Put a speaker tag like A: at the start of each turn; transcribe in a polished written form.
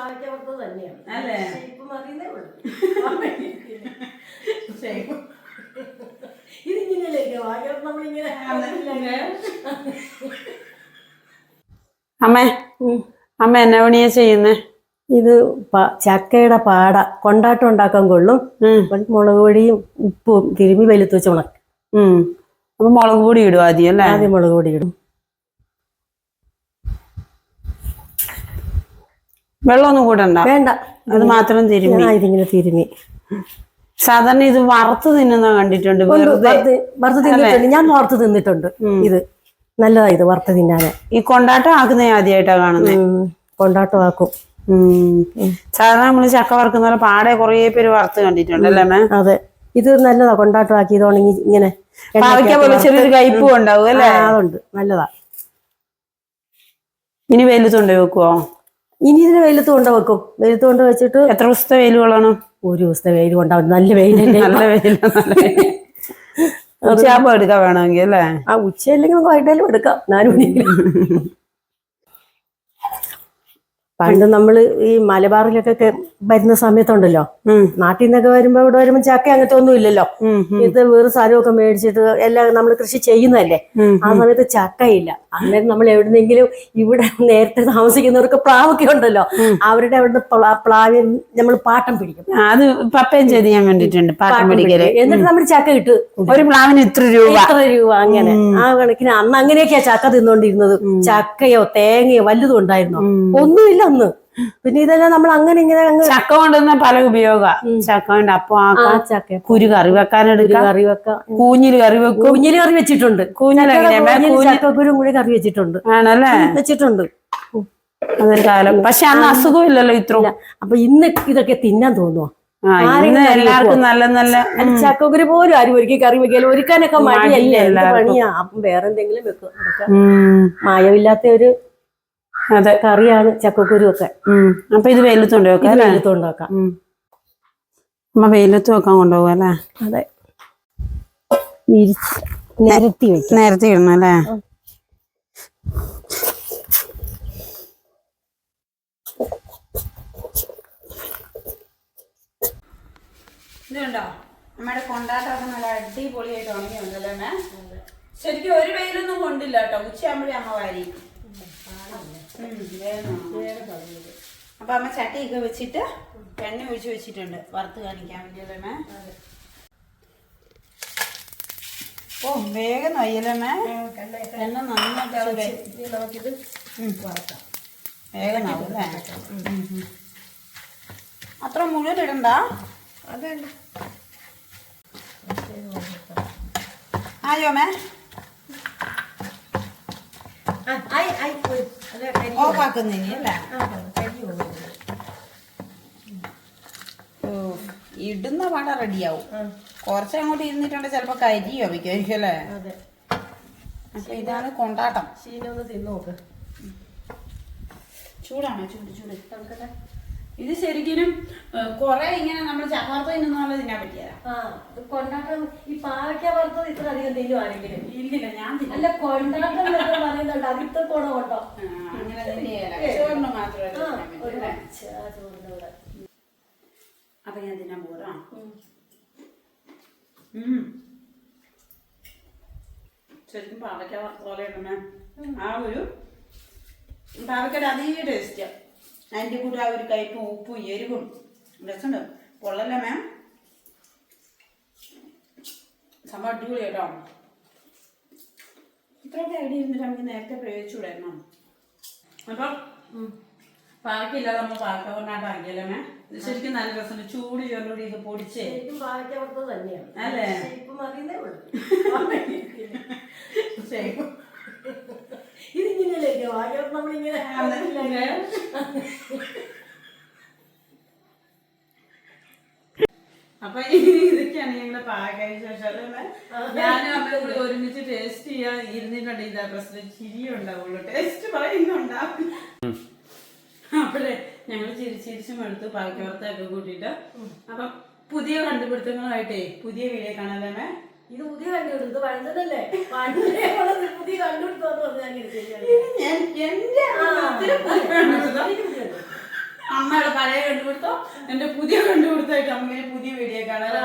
A: പാവയ്ക്കകത്ത് തന്നെയാണ്
B: അല്ലേ?
A: ഇപ്പം അറിയുന്നേ ഉള്ളൂ. ഇതിങ്ങനെയല്ലേ വാഴക്കകത്ത് നമ്മളിങ്ങനെ
B: അമ്മ അമ്മ എന്നാ പണിയാ ചെയ്യുന്നേ?
A: ഇത് ചക്കയുടെ പാട കൊണ്ടാട്ടം ഉണ്ടാക്കാൻ കൊള്ളും. മുളക് പൊടിയും ഉപ്പും തിരുമ്മി വെളുത്ത് വെച്ച് ഉണക്കും.
B: അപ്പൊ മുളക് പൊടി ഇടും ആദ്യം അല്ലേ?
A: ആദ്യം മുളക് പൊടി ഇടും.
B: വെള്ളമൊന്നും കൂടണ്ട?
A: വേണ്ട,
B: അത് മാത്രം തിരുമ്മി.
A: ഇതിങ്ങനെ തിരുമ്മി.
B: സാധാരണ ഇത് വറുത്ത് തിന്നുന്ന കണ്ടിട്ടുണ്ട്.
A: വറുത്ത് തിന്നിട്ടുണ്ട്, ഞാൻ വറുത്ത് തിന്നിട്ടുണ്ട്. ഇത് നല്ലതാ, ഇത് വറുത്ത് തിന്നാന്.
B: ഈ കൊണ്ടാട്ടം ആക്കുന്ന ആദ്യമായിട്ടാ കാണുന്നത്.
A: കൊണ്ടാട്ടം ആക്കും.
B: സാധാരണ നമ്മള് ചക്ക വറുക്കുന്ന പോലെ പാടെ കുറേ പേര് വറുത്ത് കണ്ടിട്ടുണ്ട് അല്ലേ?
A: അതെ, ഇത് നല്ലതാ. കൊണ്ടാട്ടം ആക്കി ഇതോണെങ്കിൽ ഇങ്ങനെ
B: പാവയ്ക്ക പോലെ ചെറിയൊരു കയ്പും ഉണ്ടാവും അല്ലേ?
A: അതുണ്ട്, നല്ലതാ.
B: ഇനി വെയിലത്തുകൊണ്ട് വെക്കുവോ?
A: ഇനി ഇതിന് വെയിലത്ത് കൊണ്ട് വെക്കും. വെയിലത്ത് കൊണ്ട് വെച്ചിട്ട്
B: എത്ര ദിവസത്തെ വെയിൽ കൊള്ളണം?
A: ഒരു ദിവസത്തെ വെയിൽ കൊണ്ടാവും. നല്ല വെയിലല്ലേ?
B: നല്ല വെയില. ഉച്ചയാകുമ്പോ എടുക്കാൻ വേണമെങ്കിൽ അല്ലേ?
A: ഉച്ചയല്ലെങ്കിൽ നമുക്ക് വൈകിട്ടാലും എടുക്കാം. 4 മണിക്ക്. പണ്ട് നമ്മള് ഈ മലബാറിലൊക്കെ വരുന്ന സമയത്തുണ്ടല്ലോ, നാട്ടിൽ നിന്നൊക്കെ വരുമ്പോ ഇവിടെ വരുമ്പോ ചക്ക അങ്ങനത്തെ ഒന്നും ഇല്ലല്ലോ. ഇത് വേറെ സ്ഥലമൊക്കെ മേടിച്ചിട്ട് എല്ലാം നമ്മൾ കൃഷി ചെയ്യുന്നതല്ലേ. ആ സമയത്ത് ചക്കയില്ല. അന്നേരം നമ്മൾ എവിടുന്നെങ്കിലും ഇവിടെ നേരത്തെ താമസിക്കുന്നവർക്ക് പ്ലാവൊക്കെ ഉണ്ടല്ലോ, അവരുടെ അവിടുന്ന് പ്ലാവിൽ നമ്മൾ പാട്ടം പിടിക്കും.
B: അത് പപ്പയും ചെയ്ത് ഞാൻ കണ്ടിട്ടുണ്ട്, പാട്ടം പിടിക്കല്.
A: എന്നിട്ട് നമ്മൾ ചക്ക ഇട്ട്
B: ഒരു പ്ലാവിന് ഇത്ര രൂപ
A: അങ്ങനെ. ആ കണക്കിന് അന്ന് അങ്ങനെയൊക്കെയാ ചക്ക തിന്നോണ്ടിരുന്നത്. ചക്കയോ തേങ്ങയോ വല്ലതും ഉണ്ടായിരുന്നോ? ഒന്നുമില്ല അന്ന്. പിന്നെ ഇതെല്ലാം നമ്മൾ അങ്ങനെ ഇങ്ങനെ
B: ചക്ക കൊണ്ടുവന്ന പല ഉപയോഗ. ചക്ക കൊണ്ട് അപ്പം ചക്ക കുരു കറി വെക്കാനെടുക്കാം, കറി വെക്കാം, കൂഞ്ഞില് കറി വെക്കും.
A: കൂഞ്ഞില് കറി വെച്ചിട്ടുണ്ട്. ചക്കക്കുരും കൂടി കറി വെച്ചിട്ടുണ്ട്.
B: ആണല്ലേ?
A: വെച്ചിട്ടുണ്ട്.
B: അതൊരു കാലം. പക്ഷെ അന്ന് അസുഖം ഇല്ലല്ലോ ഇത്ര.
A: അപ്പൊ ഇന്ന് ഇതൊക്കെ തിന്നാൻ തോന്നുവോ?
B: എല്ലാവർക്കും നല്ല നല്ല
A: ചക്കക്കുരു പോലും ആരും ഒരുക്കി കറി വെക്കാലും ഒരുക്കാനൊക്കെ മടിയല്ലേ? പണിയാ. അപ്പം വേറെ എന്തെങ്കിലും വെക്കും. മായമില്ലാത്ത ഒരു കറിയാണ് ചക്കക്കുരു ഒക്കെ.
B: അപ്പൊ ഇത് വെയിലത്തോണ്ട് വെക്കാം.
A: വെയിലത്തോണ്ട് വെക്കാം.
B: അമ്മ വെയിലത്ത് വെക്കാൻ കൊണ്ടുപോകും അല്ലേ?
A: അതെ, നിരത്തി വെക്കും.
B: നേരത്തെ ഇടണം അല്ലേ? ഇതുണ്ടോ നമ്മുടെ കൊണ്ടാട്ടമൊക്കെ നല്ല അടിപൊളിയായിട്ട് ഉണങ്ങിയുണ്ടല്ലോ അമ്മ. ശരിക്കും ഒരു വെയിലൊന്നും കൊണ്ടില്ല കേട്ടോ. ഉച്ചയാകുമ്പോഴേ അമ്മ വാരി. അപ്പൊ അമ്മ ചട്ടിയൊക്കെ വെച്ചിട്ട് എണ്ണ ഒഴിച്ച് വെച്ചിട്ടുണ്ട് വറുത്ത് കാണിക്കാൻ വേണ്ടിയല്ലേ? ഓ വേഗം നയ്യല്ലേ? എണ്ണ നന്നായിട്ട് നമുക്കിത് വേഗം ആവും അല്ലേ? അത്ര മുഴുവൻ ഇടണ്ട. അതല്ല ആയോ മേ? ഓഫാക്കുന്നതിന് അല്ലേ? ഇടുന്ന പാട റെഡിയാവും. കുറച്ചങ്ങോട്ട് ഇരുന്നിട്ടുണ്ട് ചിലപ്പോ കരിയോ വയ്ക്കുമായിരിക്കും അല്ലേ? അപ്പൊ ഇതാണ് കൊണ്ടാട്ടം.
A: ശീലൊന്ന് തിന്നു നോക്ക്.
B: ചൂടാണോ? ചൂട്. ഇത് ശരിക്കും കൊറേ ഇങ്ങനെ നമ്മൾ ചപ്പാത്ത തിന്നുന്ന തിന്നാൻ പറ്റിയതാ.
A: കൊണ്ടാട്ടം ഈ പാവയ്ക്ക വറുത്തത് ഇത്ര അധികം തിന്നു ആരെങ്കിലും?
B: ഇല്ലില്ല, ഞാൻ
A: അല്ല, കൊണ്ടാട്ടം പറയുന്നുണ്ട്. അതിത്ര ഗുണം കൊണ്ടോ?
B: അങ്ങനെ ചോറിന് മാത്രമേ. അപ്പൊ ഞാൻ തിന്നാൻ പോരാ. ശരിക്കും പാവയ്ക്ക വറുത്ത പോലെ ഇടണേ. ആ ഒരു പാവയ്ക്കയുടെ അതേ ടേസ്റ്റ്. അതിൻ്റെ കൂടെ ആ ഒരു കയ്പും ഉപ്പും എരിവും രസമുണ്ട്. പൊള്ളല്ലേ മാം? സംഭവം അടിപൊളി കേട്ടോ. ഇത്രയൊക്കെ ഐഡിയ ഇരുന്നിട്ട് നമുക്ക് നേരത്തെ പ്രയോഗിച്ചുകൂടായിരുന്നോ? അപ്പം പാവയ്ക്കില്ലാതെ നമ്മൾ പാവയ്ക്ക കൊണ്ടാട്ടം ആക്കിയല്ലേ മാം? ഇത് ശരിക്കും നല്ല രസമുണ്ട്. ചൂട് ചോറിലൂടെ ഇത് പൊടിച്ച്
A: പാവയ്ക്ക വറുത്തത് തന്നെയാണ്
B: അല്ലേ?
A: ഇപ്പം അറിയുന്നേ ഉള്ളൂ. ഇതിങ്ങനെയല്ലേ വാഴക്കകത്ത് നമ്മളിങ്ങനെ
B: അപ്പൊ ഇതൊക്കെയാണ് ഞങ്ങള് പാവയ്ക്കായ ശേഷം ഞാനും അമ്മയും കൂടി ഒരുമിച്ച് ടേസ്റ്റ് ചെയ്യാൻ ഇരുന്നിട്ടുണ്ട്. ഇതാ പ്രശ്നം, ചിരിയും ഉണ്ടാവുള്ളൂ, ടേസ്റ്റ് പറയുന്നുണ്ടാവും. അപ്പോഴേ ഞങ്ങൾ ചിരിച്ചും എടുത്തു പാവയ്ക്ക വറുത്തൊക്കെ കൂട്ടിയിട്ട്. അപ്പം പുതിയ കണ്ടുപിടുത്തങ്ങളുമായിട്ടേ പുതിയ വീഡിയോ കാണാല്ലേ?
A: ഇത് പുതിയ കണ്ടുപിടുത്തത് പഴഞ്ചതല്ലേ? പുതിയ കണ്ടുപിടുത്തം
B: അമ്മ പഴയ കണ്ടുപിടുത്തോ എന്റെ പുതിയ കണ്ടുപിടുത്തമായിട്ട് നമുക്ക് പുതിയ വീഡിയോ കാണാം.